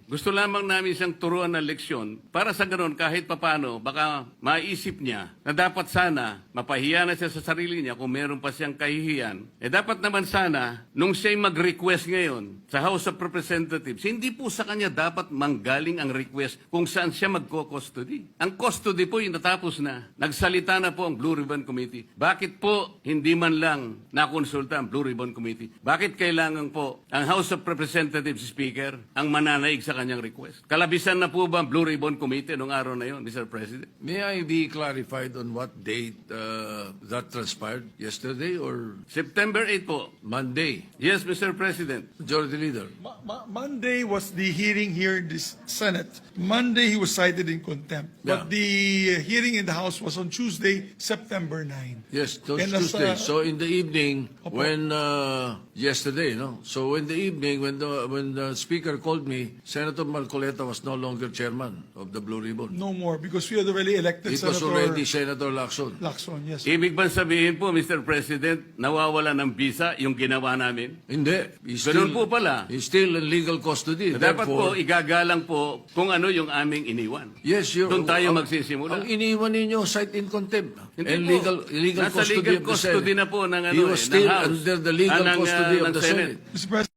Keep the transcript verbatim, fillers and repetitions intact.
Gusto lamang namin siyang turuan ng leksyon para sa ganun kahit papano baka maisip niya na dapat sana mapahiya na siya sa sarili niya kung meron pa siyang kahihiyan. Eh dapat naman sana nung siya'y mag-request ngayon sa House of Representatives, hindi po sa kanya dapat manggaling ang request kung saan siya magko-custody. Ang custody po yung natapos na. Nagsalita na po ang Blue Ribbon Committee. Bakit po hindi man lang nakonsulta ang Blue Ribbon Committee? Bakit kailangan po ang House of Representatives Speaker ang mananaig sa kanyang request? Kalabisan na po ba ang Blue Ribbon Committee noong araw na yon, Mister President? May I be clarified on what date uh, that transpired? Yesterday or September eighth po. Monday? Yes, Mister President. Majority Leader. Ma- Ma- Monday was the hearing here in the Senate. Monday he was cited in contempt. Yeah. But the uh, hearing in the House was on Tuesday, September ninth. Yes, those And as, Tuesday. uh, So in the evening, Opo. when uh, yesterday, no. So in the evening, when the when the speaker called me, Senator Marcoleta was no longer chairman of the Blue Ribbon. No more because we had already elected It was Senator already Senator Lacson. Lacson. Yes. Ibig bang sabihin po, Mister President, nawawala ng visa yung ginawa namin? Hindi. He's Ganun still, po pala. He's still in legal custody. Dapat po, Therefore, igagalang po kung ano yung aming iniwan. yes, you're, Doon tayo ang- magsisimula. Ang iniwan ninyo, cite in contempt. Hindi and po. legal, illegal Nasa custody legal of the custody Senate. na po ng, ano, He eh, was ng still House. under the legal Ah, ng, ah, custody of ng the Senate. Senate. Mister President,